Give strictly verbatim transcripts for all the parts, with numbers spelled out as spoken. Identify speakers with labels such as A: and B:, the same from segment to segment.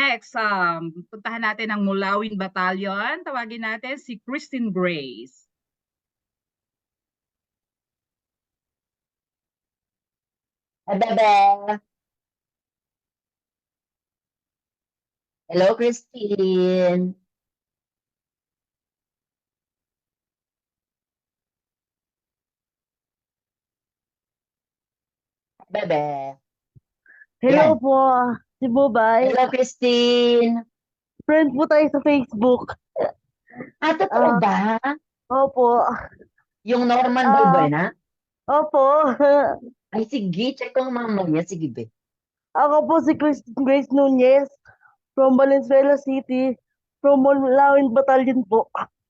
A: Next, um, puntahan natin ang Mulawin Battalion. Tawagin natin si Christine Grace.
B: Bebe. Hello, Christine. Bebe.
C: Hello
B: Yan.
C: po, si Bubay.
B: Hello, Christine.
C: Friend po tayo sa Facebook.
B: Ah, totoo
C: Ah,
B: ba?
C: Opo.
B: Yung Norman
C: Ah,
B: Balbuena?
C: Opo.
B: Ay, sige. Check ko ang mamaya. Sige, be.
C: Ako po si Christine Grace Nunez from Valenzuela City, from Mulawin Battalion po.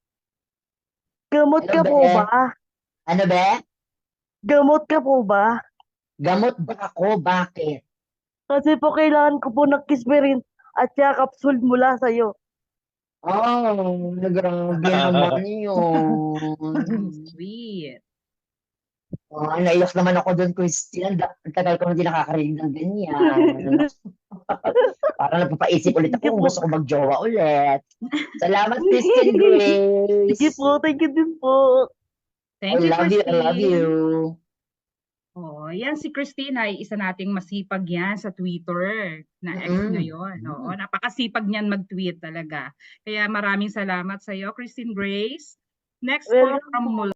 C: Gamot
B: Hello,
C: ka
B: be.
C: po ba?
B: Ano, be?
C: Gamot ka po ba?
B: Gamot ba ako? Bakit?
C: Kasi po kailangan ko po ng Kisperin at saka capsule mula sa'yo.
B: Oh, grabe naman yun.
A: Sweet.
B: Oh, naiyak naman ako doon, Christine. Ang da- ang tagal ko na hindi nakakarinig ng ganyan. Parang napapaisip ulit
C: Sige
B: ako kung
C: po.
B: gusto ko mag-jowa ulit. Salamat, Christine Grace.
C: Sige po, thank you din po.
A: Thank
B: I
A: you,
B: love you, I love
A: Christine.
B: you.
A: Oh, yan si Christine ay isa nating masipag yan sa Twitter na ex
B: Mm-mm.
A: ngayon. Oo, napakasipag niyan mag-tweet talaga. Kaya maraming salamat sa iyo, Christine Grace. Next po
C: Welcome
A: from
C: po.
A: Mula